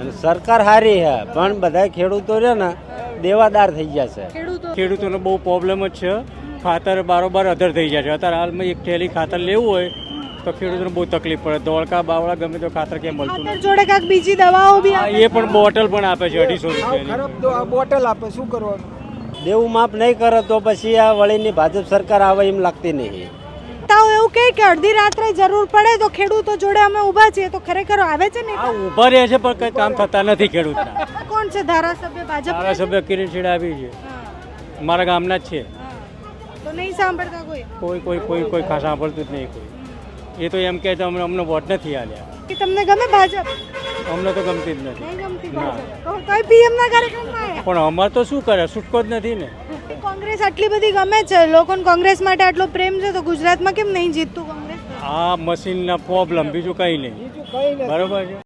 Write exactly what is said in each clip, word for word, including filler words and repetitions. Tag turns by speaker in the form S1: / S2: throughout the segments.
S1: અને સરકાર સારી છે પણ બધા ખેડૂતો છે ને દેવાદાર થઈ ગયા છે.
S2: ખેડૂતોને બહુ પ્રોબ્લેમ જ છે. ખાતર બારોબાર અધર થઈ જાય છે. અત્યારે હાલમાં એક થેલી ખાતર લેવું હોય તો ખેડૂતોને બહુ તકલીફ પડે. ધોળકા બાવળા ગમે તો ખાતર ક્યાં મળતું
S3: ખાતર જોડે કાંઈક બીજી દવાઓ બી
S2: નથી.
S3: આપે
S2: એ પણ બોટલ પણ આપે છે અઢીસો રૂપિયાની.
S4: ખરાબ તો આ બોટલ આપે, શું કરવાનું?
S1: દેવું માફ નહીં કરે તો પછી આ વળીની ભાજપ સરકાર આવે એમ લાગતી નહીં.
S3: તાવ એવું કહે કે અડધી રાત્રે જરૂર પડે તો ખેડૂતો જોડે અમે ઊભા છીએ, તો ખરેખર આવે છે ને?
S2: આ ઊભા રહે છે પણ કંઈ કામ થતા નથી ખેડૂતના.
S3: કોણ છે ધારાસભ્ય ભાજપ?
S2: ધારાસભ્ય કિરીટ છેડા આવી છે, મારા ગામના જ છે.
S3: તો નહીં સાંભળતા કોઈ?
S2: કોઈ કોઈ કોઈ કોઈ ખાસ સાંભળતું જ નહીં કોઈ. એ તો એમ કહે છે અમને અમને વોટ નથી આલ્યા.
S3: કે તમને ગમે ભાજપ?
S2: અમને તો ગમતી જ નથી.
S3: નહીં ગમતી ભાજપ તો કઈ પીએમ ના કાર્યક્રમમાં આવ્યા?
S2: પણ અમારે તો શું કરે, છૂટકો જ નથી ને.
S3: કોંગ્રેસ આટલી બધી ગમે છે, લોકોને કોંગ્રેસ માટે આટલો પ્રેમ છે, તો ગુજરાતમાં કેમ નહીં જીતતું કોંગ્રેસ?
S2: આ મશીનના પ્રોબ્લેમ, બીજું કંઈ નહીં.
S4: બીજું કઈ નથી.
S2: બરોબર છે.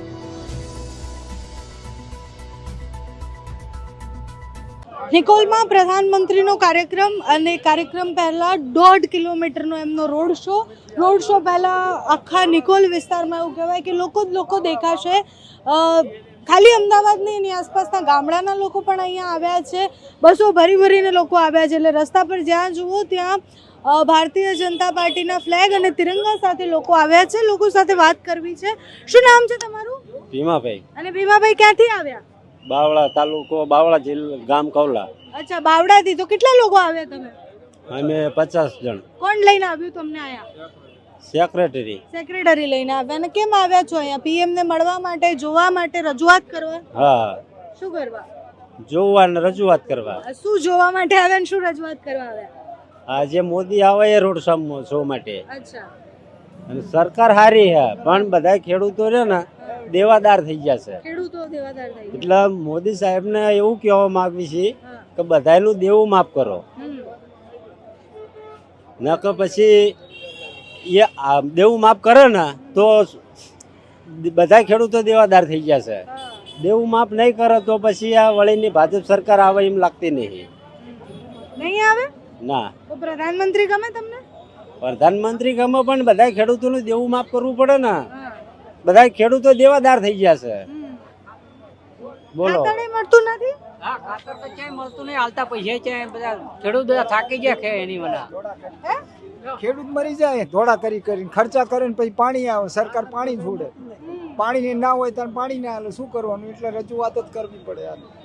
S3: નિકોલમાં પ્રધાનમંત્રીનો કાર્યક્રમ અને કાર્યક્રમ પહેલા દોઢ કિલોમીટરનો એમનો રોડ શો રોડ શો પહેલા આખા નિકોલ વિસ્તારમાં એવું કહેવાય કે લોકો જ લોકો દેખાશે. ખાલી અમદાવાદ નહીં, એની આસપાસના ગામડાના લોકો પણ અહીંયા આવ્યા છે. બસો ભરી ભરીને લોકો આવ્યા છે. એટલે રસ્તા પર જ્યાં જુઓ ત્યાં ભારતીય જનતા પાર્ટીના ફ્લેગ અને તિરંગા સાથે લોકો આવ્યા છે. લોકો સાથે વાત કરવી છે. શું નામ છે તમારું?
S1: ભીમાભાઈ.
S3: અને ભીમાભાઈ ક્યાંથી આવ્યા?
S1: બાવળા તાલુકો, બાવળા જિલ્લા, ગામ કૌલા.
S3: અચ્છા, બાવડાથી. તો કેટલા લોકો આવ્યા તમે?
S1: અમે પચાસ જણ.
S3: કોણ લઈને આવ્યું તમને અહીંયા?
S1: સેક્રેટરી.
S3: સેક્રેટરી લઈને આવ્યા. અને કેમ આવ્યા છો અહીંયા? પીએમ ને મળવા માટે, જોવા માટે, રજૂઆત કરવા?
S1: હા,
S3: શું કરવા?
S1: જોવા ને રજૂઆત કરવા.
S3: શું જોવા માટે આવ્યા ને શું રજૂઆત કરવા આવ્યા?
S1: આજે મોદી આવે એ રોડ શો માટે.
S3: અચ્છા.
S1: અને સરકાર સારી છે પણ બધા ખેડૂતો છે ને દેવાદાર થઈ ગયા છે.
S3: ખેડૂતો દેવાદાર થઈ ગયા.
S1: એટલે મોદી સાહેબને એવું કહેવા માંગવી છે
S3: હા.
S1: કે બધાનું દેવું માફ કરો.
S3: હમ.
S1: ન કે પછી એ આ દેવું માફ કરે ને તો બધા ખેડૂતો દેવાદાર થઈ ગયા છે.
S3: હા.
S1: દેવું માફ નહીં કરે તો પછી આ વળીની ભાજપ સરકાર આવે એમ લાગતી નહીં.
S3: નહીં આવે?
S1: ના.
S3: તો પ્રધાનમંત્રી ગમે તમને?
S1: પ્રધાનમંત્રી ગમે પણ બધા ખેડૂતોનું દેવું માફ કરવું પડે ને.
S3: હા.
S1: બધા ખેડૂતો દેવાદાર થઈ ગયા છે.
S3: હમ.
S1: બોલો.
S3: ખાતર ય મળતું નથી?
S5: હા, ખાતર તો ક્યાંય મળતું નહીં. હાલતા પૈસા છે બધા ખેડૂત બધા થાકી ગયા છે એની વના.
S3: હે?
S4: ખેડૂત મરી જાય ધોળા કરી કરીને, ખર્ચા કરે ને પછી પાણી આવે, સરકાર પાણી છોડે. પાણી ના હોય ત્યારે પાણી ના આવે, શું કરવાનું? એટલે રજૂઆત જ કરવી પડે.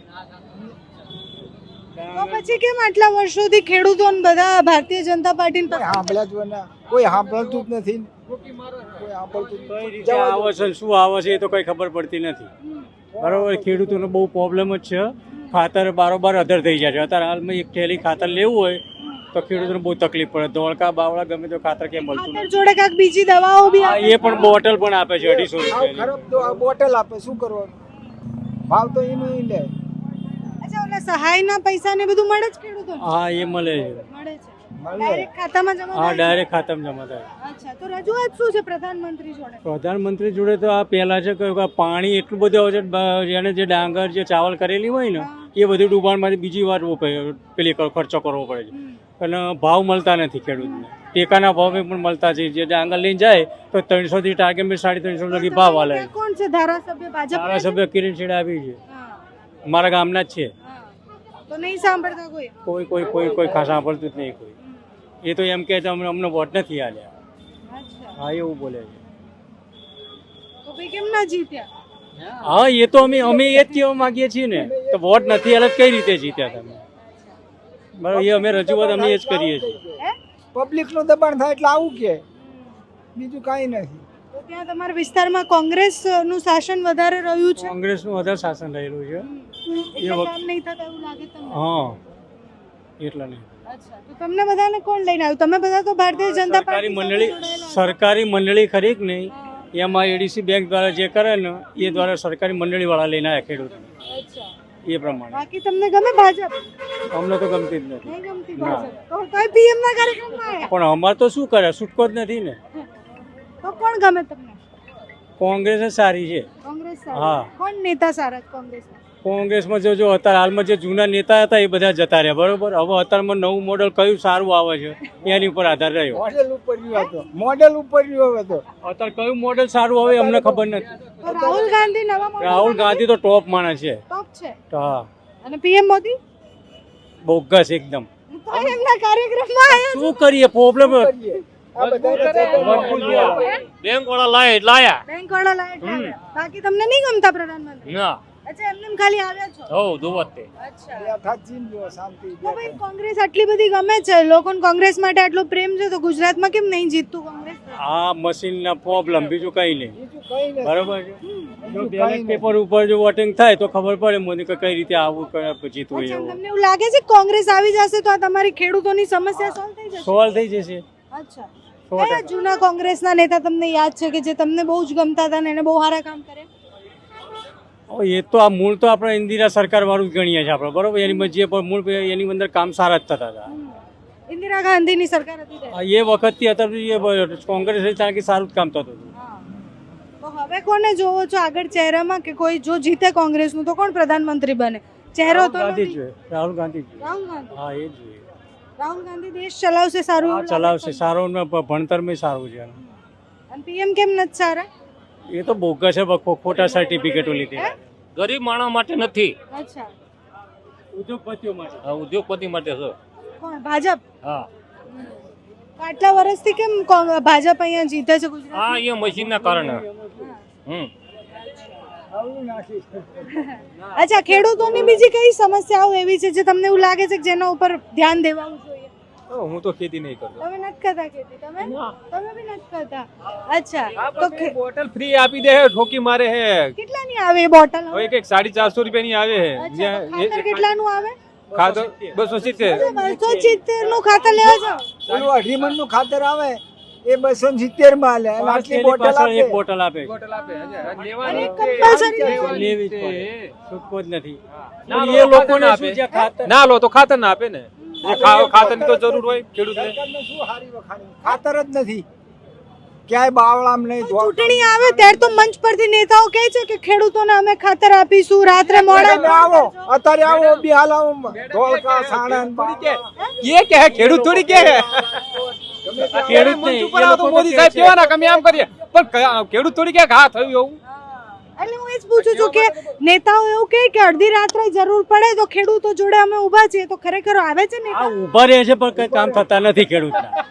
S3: તો પછી કેમ આટલા વર્ષોથી ખેડૂતો ને બધા ભારતીય જનતા પાર્ટી
S4: કોઈ સાંભળ્યા જ ના, કોઈ સાંભળતું જ નથી. કોઈ સાંભળતું જ
S2: કઈ
S4: નથી.
S2: રીતે આવે છે ને શું આવે છે એ તો કઈ ખબર પડતી નથી. બરોબર, ખેડૂતોને બહુ પ્રોબ્લેમ જ છે. ખાતર બારોબાર અધર થઈ જાય છે. અત્યારે હાલમાં એક થેલી ખાતર લેવું હોય તો ખેડૂતોને બહુ તકલીફ પડે. ધોળકા બાવળા ગમે તો ખાતર ક્યાં મળતું
S3: ખાતર
S2: નથી.
S3: જોડે કાંઈક બીજી દવાઓ બી આપે?
S2: એ પણ બોટલ પણ આપે છે અઢીસો
S4: સાવ
S2: રૂપિયાની.
S4: ખરાબ તો આ બોટલ આપે, શું કરવાનું? ભાવ તો એનું ઈ લે.
S3: અચ્છા, ઓલા સહાયના પૈસા ને બધું મળે જ ખેડૂતોને?
S2: હા, એ મળે છે.
S3: મળે છે.
S4: મળે.
S3: ડાયરેક્ટ ખાતામાં જમા
S2: હા,
S3: થાય?
S2: ડાયરેક્ટ ખાતામાં જમા થાય.
S3: અચ્છા, તો રજૂઆત શું છે પ્રધાનમંત્રી જોડે?
S2: પ્રધાનમંત્રી જોડે તો આ પહેલા છે કે પાણી એટલું બધું આવે છે. બ- જેને જે ડાંગર જે ચાવલ કરેલી હોય ને એ બધું ડૂબાણમાંથી બીજી વાર ઉપ- પેલી કર- ખર્ચો કરવો પડે છે.
S3: હમ.
S2: અને ભાવ મળતા નથી ખેડૂતને. ટેકાના ભાવે પણ મળતા છે. જે ડાંગર લઈને જાય તો ત્રણસો થી ટાર્ગેટ મેં સાડી ત્રણસો લગી ભાવ હાલે.
S3: ત્યાં કોણ છે ધારાસભ્ય ભાજપ?
S2: ધારાસભ્ય કિરીટ છેડા આવી છે,
S3: હા,
S2: મારા ગામના જ છે.
S3: હા. તો નહીં સાંભળતા કોઈ?
S2: કોઈ કોઈ કોઈ કોઈ ખાસ સાંભળતું જ નહીં કોઈ. એ તો એમ કહે છે અમને અમને વોટ નથી આલ્યા.
S3: અચ્છા,
S2: હા, એવું બોલે છે.
S3: તો ભાઈ કેમ ના જીત્યા?
S2: હા, એ તો અમે અમે એ જ કહેવા માંગીએ છીએ ને. તો વોટ નથી આલ્યા કઈ રીતે જીત્યા તમે? બરાબર, એ અમે રજૂઆત અમે એ જ કરીએ છીએ.
S3: હે?
S4: પબ્લિક નું દબાણ થાય એટલે આવું કે, બીજું કાંઈ નથી.
S3: તો ત્યાં તમારા વિસ્તારમાં કોંગ્રેસ નું શાસન વધારે રહ્યું છે?
S2: કોંગ્રેસનું વધારે શાસન રહેલું છે.
S3: એટલે
S2: વખત-
S3: કામ નહીં થતા એવું લાગે તમને?
S2: હા, એટલે નહીં.
S3: અચ્છા, તો તમને બધાને કોણ લઈને આવ્યું? તમે બધા તો ભારતીય જનતા
S2: સરકારી
S3: પાર્ટી
S2: મંડળી
S3: સાથે જોડાયેલા છો.
S2: સરકારી મંડળી ખરી કે નહીં, એમાં એડીસી બેંક દ્વારા જે કરે ને એ દ્વારા સરકારી મંડળી વાળા લઈને આવ્યા ખેડૂતોને.
S3: અચ્છા,
S2: એ પ્રમાણે
S3: બાકી તમને ગમે ભાજપ?
S2: અમને તો ગમતી જ નથી.
S3: નહીં ગમતી
S2: ના.
S3: ભાજપ? તો કઈ પીએમ ના કાર્યક્રમમાં આવ્યા?
S2: પણ અમારે તો શું કરે, છૂટકો જ નથી ને.
S3: તો કોણ ગમે તમને?
S2: કોંગ્રેસ જ સારી છે.
S3: કોંગ્રેસ
S2: હા.
S3: સારી. કોણ નેતા સારા છે કોંગ્રેસના?
S2: કોંગ્રેસમાં જો જો અત્યારે હાલમાં જે જૂના નેતા હતા એ બધા જતા રહ્યા બરોબર. હવે અત્યારમાં નવું મોડલ કયું સારું આવે છે એની ઉપર આધાર રહ્યો.
S4: મોડેલ ઉપર રહ્યો હતો મોડેલ ઉપર રહ્યો હતો
S2: અત્યારે કયું મોડલ સારું આવે અમને ખબર નથી.
S3: તો રાહુલ ગાંધી નવા model
S2: રાહુલ ગાંધી તો ટોપ માણસ છે.
S3: top છે
S2: હા,
S3: અને પીએમ મોદી
S2: બોગસ એકદમ.
S3: તો એમના કાર્યક્રમમાં આયા
S2: શું કરીએ પ્રોબ્લેમ
S4: આ બધા
S6: બેંક વાળા લાય લાયા
S3: બેંક વાળા લાયક આવ્યા. બાકી તમને નહીં ગમતા પ્રધાનમંત્રી?
S6: ના
S3: અચ્છા એમને એમ ખાલી આવ્યા છો?
S6: હો દુવત તે
S3: અચ્છા
S4: બેઠા જ જીવજો, શાંતિ
S3: તો ભાઈ કોંગ્રેસ આટલી બધી ગમે છે, લોકોને કોંગ્રેસ માટે આટલો પ્રેમ છે, તો ગુજરાતમાં કેમ નહીં જીતતું કોંગ્રેસ?
S2: આ મશીનના પ્રોબ્લેમ બીજું કઈ નહીં.
S4: બીજું કઈ નથી
S2: બરોબર છે. જો
S4: બીજું
S2: બેલેટ
S4: કઈ
S2: પેપર ઉપર જો વોટિંગ થાય તો ખબર પડે મોદી કે કઈ રીતે આવું કઈ જીતવું
S3: અચ્છા,
S2: એવું
S3: તમને એવું લાગે છે કે કોંગ્રેસ આવી જશે તો આ તમારી ખેડૂતોની સમસ્યા સોલ્વ થઈ જશે?
S2: સોલ્વ થઈ જશે.
S3: અચ્છા
S2: સો
S3: કયા જૂના કોંગ્રેસના નેતા તમને યાદ છે કે જે તમને બહુ જ ગમતા હતા ને એને બહુ સારા કામ કરે?
S2: હવે એ તો આ મૂળ તો આપણે ઇન્દિરા સરકાર વાળું જ ગણીએ છીએ આપણે બરોબર. એની જે પણ મૂળ એની અંદર કામ સારા જ થતા હતા.
S3: ઇન્દિરા ગાંધીની સરકાર હતી ત્યારે.
S2: આ એ વખતથી અત્યારે એ કોંગ્રેસ કારણ કે સારું જ કામ થતું હતું.
S3: હા. તો હવે કોને જોવો છો આગળ ચહેરામાં કે કોઈ જો જીતે કોંગ્રેસનું તો કોણ પ્રધાનમંત્રી બને? ચહેરો
S2: રાહુલ
S3: તો
S2: ગાંધી
S3: નથી.
S2: જોઈએ. રાહુલ ગાંધી જોઈએ.
S3: રાહુલ ગાંધી.
S2: હા એ જોઈએ.
S3: રાહુલ ગાંધી દેશ ચલાવશે સારું
S2: હા
S3: એવું લાગે
S2: ચલાવશે
S3: છે?
S2: સારો ને ભણતરમાં સારું છે.
S3: અને પીએમ કેમ નથી સારા?
S2: એ તો બોગસ છે ખો- ખોટા સર્ટિફિકેટો લીધી.
S6: ગરીબ માણસ માટે નથી,
S3: અચ્છા
S2: ઉદ્યોગપતિઓ માટે.
S6: આ ઉદ્યોગપતિ માટે છે.
S3: કોણ? ભાજપ?
S6: હા
S3: તો આટલા વર્ષથી કેમ કોંગ- ભાજપ અહીંયા જીતે છે ગુજરાત?
S6: આ એ મશીનના કારણે. હમ
S4: આવડું નાખી
S3: અચ્છા ખેડૂતોની બીજી કઈ સમસ્યાઓ એવી છે જે તમને એવું લાગે છે કે જેના ઉપર ધ્યાન દેવાનું જોઈએ?
S6: હું તો ખેતી નહીં કરતો.
S3: તમે નથી કરતા ખેતી? તમે તમે બી નથી કરતા? અચ્છા તો ખે-
S7: બોટલ ફ્રી આપી દે હે, ઠોકી મારે હે.
S3: કેટલાની આવે એ બોટલ?
S7: હવે એક સાડી ચારસો રૂપિયા ની આવે હે.
S3: અચ્છા તો ખાતર કેટલાનું આવે?
S7: ખાધો બસો સિત્તેર.
S3: બસો સિત્તેર નું ખાતર લેવા જાવ?
S4: પેલું અઢી મણ નું ખાતર આવે એ બસો સિત્તેર માં લે અને આટલી બોટલ
S2: પાછળ એક
S4: આપે
S2: બોટલ આપે.
S7: બોટલ આપે હજે.
S3: અને
S7: લેવાની
S3: compulsory
S2: લેવી જ પડે. છૂટકો જ નથી.
S7: ના
S2: પણ
S7: લો
S2: એ
S7: તો
S2: લોકોને
S7: ખાતર
S2: શું છે ખાતર
S7: ના લો તો ખાતર ના આપે ને. જે ખાતર ની તો જરૂર હોય ખેડૂતને.
S4: સરકારને શું હારી વખાણી? ખાતર જ નથી ક્યાંય બાવળામ નહીં ધોળ.
S3: ચૂંટણી આવે ત્યારે તો મંચ પરથી નેતાઓ કહે છે કે ખેડૂતોને અમે ખાતર આપીશું, રાત્રે મોડા
S4: તમે આવો અત્યારે આવો બી હાલ આવો ધોળકા સાણંદ
S7: એ કે હે ખેડૂત થોડી કે હે.
S2: ખેડૂત
S7: મંચ
S2: નહીં.
S7: ઉપર
S2: એ
S7: આવો
S2: લોકો
S7: તો
S2: તો
S7: મોદી
S2: કહે
S7: સાહેબ
S2: છે.
S7: કેવાના કે અમે આમ કરીએ પણ કયા- ખેડૂત થોડી કે હા થયું એવું.
S3: એટલે હું એ જ પૂછું છું કે નેતાઓ એવું કહે કે અડધી રાત્રે જરૂર પડે તો ખેડૂતો જોડે અમે ઊભા છીએ, તો ખરેખર આવે છે
S2: આ
S3: નેતા?
S2: ઊભા રહે છે પણ કઈ કામ થતા નથી ખેડૂતના.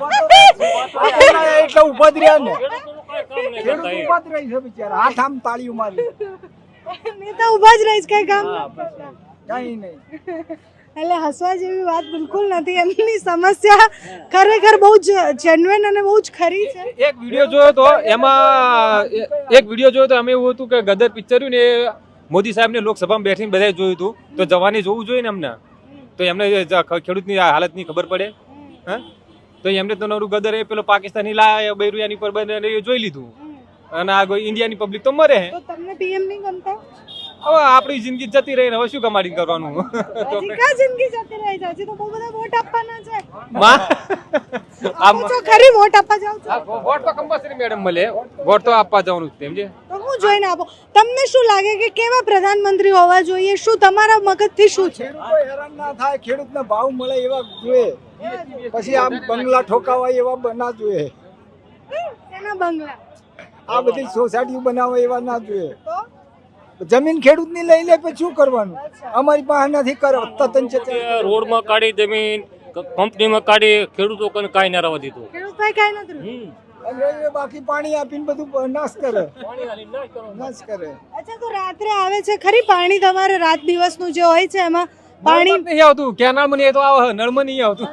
S4: એટલે ઉભા જ રહ્યા ને
S6: કામ નહીં
S4: ખેડૂત
S6: કરતા એ.
S4: ઉભા જ રહી છે બિચારા હાથ આમ તાળીઓ મારી
S3: નેતા ઊભા જ રહીશ કઈ કામ નથી કરતા.
S4: કઈ નહીં
S3: એટલે હસવા જેવી વાત બિલકુલ નથી. એમની સમસ્યા ખરેખર બહુ જ જેન્યુઇન અને બહુ જ ખરી છે.
S7: એક વિડીયો જોયો તો એમાં એ- એક વિડીયો જોયો તો અમે એવું હતું કે ગદર પિક્ચર રહ્યું ને એ મોદી સાહેબ ને લોકસભામાં બેઠીને બધાએ જોયું હતું તો જવાને જોવું જોઈએ ને એમને તો એમને જ ખેડૂતની આ હાલતની ખબર પડે. હા તો એમને તો નવરું ગદર એ પેલો પાકિસ્તાની લાયા બૈરું એની પર બંધ એ જોઈ લીધું અને આ કોઈ ઇન્ડિયાની પબ્લિક તો મરે હે.
S3: તો તમને પીએમ નહીં ગમતા?
S7: હવે આપણી જિંદગી જતી રહી ને હવે શું કમાડી કરવાનું. તો
S3: હજી ક્યાં જિંદગી જતી રહી છે? હજી તો બહુ બધા વોટ આપવાના છે.
S7: માં
S3: આપો છો ખરી? વોટ આપવા જાવ છો?
S7: આ વોટ તો કમ્પલસરી મેડમ મળે વોટ તો આપવા જવાનું જ સમજે.
S3: તો હું જોઈને આપો. તમને શું લાગે કે કેવા પ્રધાનમંત્રી હોવા જોઈએ? શું તમારા મગજથી શું છે?
S4: ખેડૂતો હેરાન ના થાય ખેડૂતને ભાવ મળે એવા જોઈએ પછી આમ બંગલા ઠોકાવાય એવા બ- ના જોઈએ
S3: એના બંગલા
S4: આ બધી સોસાયટીઓ બનાવે એવા ના જોઈએ
S3: તો
S4: જમીન ખેડૂતની લઈ લે પછી શું કરવાનું અમારી પાસે નથી કરો તતન છે
S6: રોડમાં કાઢી જમીન ક- કંપનીમાં કાઢી ખેડૂતો કને કાંઈ ના રહેવા દીધું.
S3: ખેડૂત ભાઈ કાંઈ નથી રહ્યું.
S4: અને એ બાકી પાણી આપીને બધું નાશ કરે નાશ કરે
S3: અચ્છા તો રાત્રે આવે છે ખરી પાણી તમારે રાત દિવસનું જે હોય છે એમાં પાણી
S7: પાણી નહીં આવતું કેનાલમાં નહીં તો આવે નળમાં નહીં આવતું.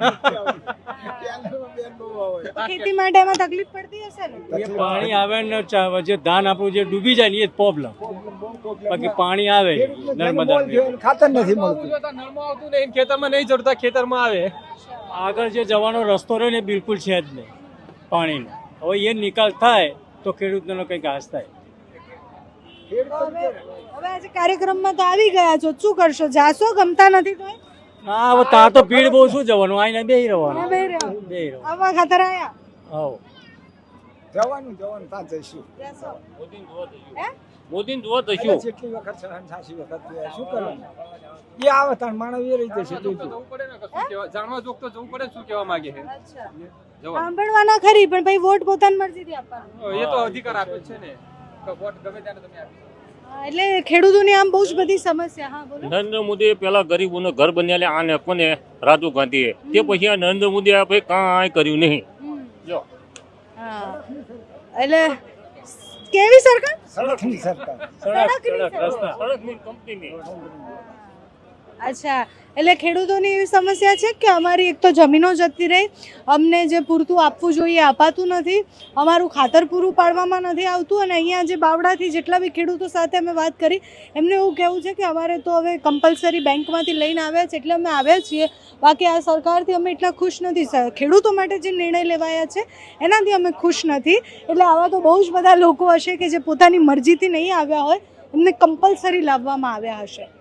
S3: ખેતી માટે એમાં તકલીફ પડતી હશે ને?
S2: એ પાણી આવે ને ચા- જે ધાન આપણું જે ડૂબી જાય ને એ જ પ્રોબ્લેમ. બાકી પાણી આવે નર્મદા
S4: ખાતર નથી મળતું
S7: નળમાં આવતું નહીં ખેતરમાં નહીં ચડતા ખેતરમાં આવે.
S2: આગળ જે જવાનો રસ્તો રહ્યો ને એ બિલકુલ છે જ નહીં પાણીનો. હવે એ નિકાલ થાય તો ખેડૂતનો કંઈક ઘાસ થાય.
S3: હવે હવે આજે કાર્યક્રમમાં તો આવી ગયા છો, શું કરશો? જાશો? ગમતા નથી તો
S2: હા હવે ત્યાં તો ભીડ બહુ શું જવાનું આઈને બેહી રહેવાનું.
S3: બે રહ્યો
S2: બેહી રહેવાનું.
S3: આવા ખાતર આયા.
S2: હવ
S4: જવાનું જવાનું ત્યાં જઈશું
S3: જશો.
S6: મોદીને જોવા જઈશું.
S3: હે?
S6: મોદીને જોવા
S4: એટલે
S6: જઈશું.
S4: જેટલી વખત સહન થાશી વખત શું કરવાનું એ આવે તાણ માણસ એ રહી જશે
S7: જવું પડે ને કે શું કહેવા- જાણવા જોગ તો જવું પડે ને શું કહેવા માંગે છે
S3: અચ્છા.
S7: જવા
S3: સાંભળવાના ખરી પણ ભાઈ વોટ પોતાની મરજીથી આપવાનો.
S7: એ તો અધિકાર આપે છે ને કે વોટ ગમે ત્યારે તમે આપી શકો.
S3: હા, એટલે ખેડૂતોની આમ બહુ જ બધી સમસ્યા. હા બોલો.
S6: નરેન્દ્ર મોદીએ પેલા ગરીબોને ઘર બન્યા આને કોને રાજીવ ગાંધીએ તે પછી આ નરેન્દ્ર મોદીએ આ ભાઈ કાંઈ કર્યું નહીં.
S3: હમ.
S6: જો
S3: હા એટલે કેવી સરકાર?
S4: સડકની સરકાર
S3: સડકની સરકાર.
S6: સડકની કંપનીની
S3: અચ્છા, એટલે ખેડૂતોની એવી સમસ્યા છે કે અમારી એક તો જમીનો જતી રહી, અમને જે પૂરતું આપવું જોઈએ અપાતું નથી, અમારું ખાતર પૂરું પાડવામાં નથી આવતું, અને અહીંયા જે બાવડાથી જેટલા બી ખેડૂતો સાથે અમે વાત કરી એમને એવું કહેવું છે કે અમારે તો હવે કમ્પલસરી બેંકમાંથી લઈને આવ્યા છે એટલે અમે આવ્યા છીએ, બાકી આ સરકારથી અમે એટલા ખુશ નથી. ખેડૂતો માટે જે નિર્ણય લેવાયા છે એનાથી અમે ખુશ નથી. એટલે આવા તો બહુ જ બધા લોકો હશે કે જે પોતાની મરજીથી નહીં આવ્યા હોય, એમને કમ્પલસરી લાવવામાં આવ્યા હશે.